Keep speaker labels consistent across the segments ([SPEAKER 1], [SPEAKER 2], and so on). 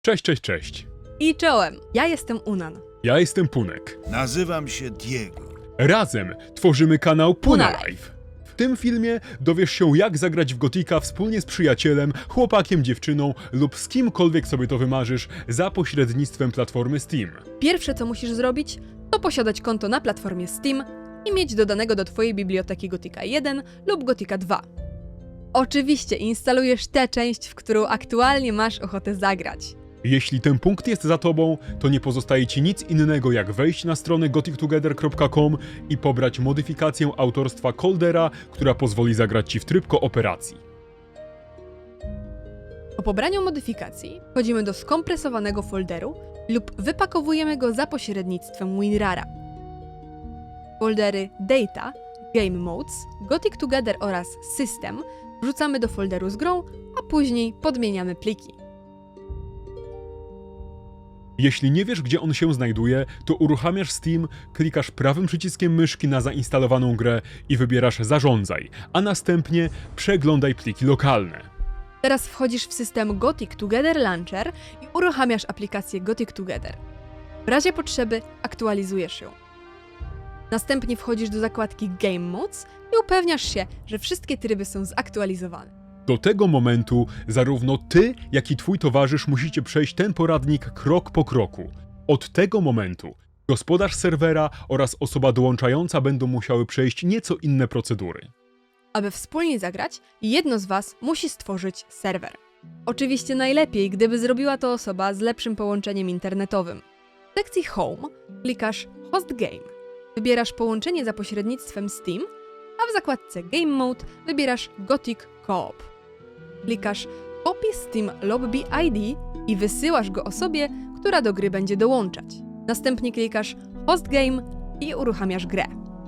[SPEAKER 1] Cześć, cześć, cześć.
[SPEAKER 2] I czołem, ja jestem Unan.
[SPEAKER 1] Ja jestem Punek.
[SPEAKER 3] Nazywam się Diego.
[SPEAKER 1] Razem tworzymy kanał Puna
[SPEAKER 2] Puna
[SPEAKER 1] Live. W tym filmie dowiesz się, jak zagrać w Gotika wspólnie z przyjacielem, chłopakiem, dziewczyną lub z kimkolwiek sobie to wymarzysz za pośrednictwem platformy Steam.
[SPEAKER 2] Pierwsze co musisz zrobić, to posiadać konto na platformie Steam i mieć dodanego do twojej biblioteki Gotika 1 lub Gotika 2. Oczywiście instalujesz tę część, w którą aktualnie masz ochotę zagrać.
[SPEAKER 1] Jeśli ten punkt jest za tobą, to nie pozostaje ci nic innego jak wejść na stronę gotictogether.com i pobrać modyfikację autorstwa Coldera, która pozwoli zagrać ci w tryb kooperacji.
[SPEAKER 2] Po pobraniu modyfikacji wchodzimy do skompresowanego folderu lub wypakowujemy go za pośrednictwem WinRara. Foldery Data, Game Modes, Gothic Together oraz System wrzucamy do folderu z grą, a później podmieniamy pliki.
[SPEAKER 1] Jeśli nie wiesz, gdzie on się znajduje, to uruchamiasz Steam, klikasz prawym przyciskiem myszki na zainstalowaną grę i wybierasz Zarządzaj, a następnie przeglądaj pliki lokalne.
[SPEAKER 2] Teraz wchodzisz w system Gothic Together Launcher i uruchamiasz aplikację Gothic Together. W razie potrzeby aktualizujesz ją. Następnie wchodzisz do zakładki Game Modes i upewniasz się, że wszystkie tryby są zaktualizowane.
[SPEAKER 1] Do tego momentu zarówno ty, jak i twój towarzysz musicie przejść ten poradnik krok po kroku. Od tego momentu gospodarz serwera oraz osoba dołączająca będą musiały przejść nieco inne procedury.
[SPEAKER 2] Aby wspólnie zagrać, jedno z Was musi stworzyć serwer. Oczywiście najlepiej, gdyby zrobiła to osoba z lepszym połączeniem internetowym. W sekcji Home klikasz Host Game. Wybierasz połączenie za pośrednictwem Steam, a w zakładce Game Mode wybierasz Gothic Co-op. Klikasz Copy Steam Lobby ID i wysyłasz go osobie, która do gry będzie dołączać. Następnie klikasz Host Game i uruchamiasz grę.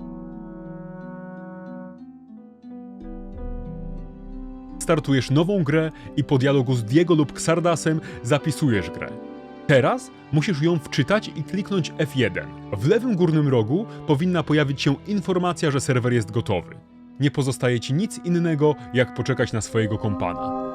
[SPEAKER 1] Startujesz nową grę i po dialogu z Diego lub Xardasem zapisujesz grę. Teraz musisz ją wczytać i kliknąć F1. W lewym górnym rogu powinna pojawić się informacja, że serwer jest gotowy. Nie pozostaje ci nic innego, jak poczekać na swojego kompana.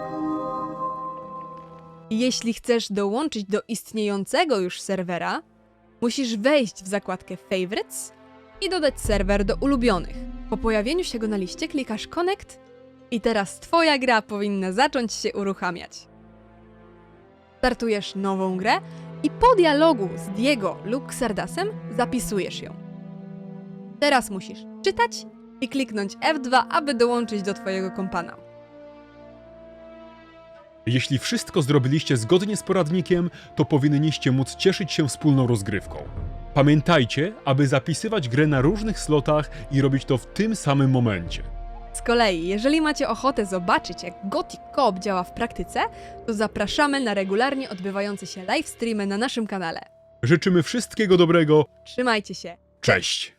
[SPEAKER 2] Jeśli chcesz dołączyć do istniejącego już serwera, musisz wejść w zakładkę Favorites i dodać serwer do ulubionych. Po pojawieniu się go na liście klikasz Connect i teraz twoja gra powinna zacząć się uruchamiać. Startujesz nową grę i po dialogu z Diego lub Xardasem zapisujesz ją. Teraz musisz czytać i kliknąć F2, aby dołączyć do twojego kompana.
[SPEAKER 1] Jeśli wszystko zrobiliście zgodnie z poradnikiem, to powinniście móc cieszyć się wspólną rozgrywką. Pamiętajcie, aby zapisywać grę na różnych slotach i robić to w tym samym momencie.
[SPEAKER 2] Z kolei, jeżeli macie ochotę zobaczyć, jak Gothic Co-op działa w praktyce, to zapraszamy na regularnie odbywające się live streamy na naszym kanale.
[SPEAKER 1] Życzymy wszystkiego dobrego.
[SPEAKER 2] Trzymajcie się!
[SPEAKER 1] Cześć!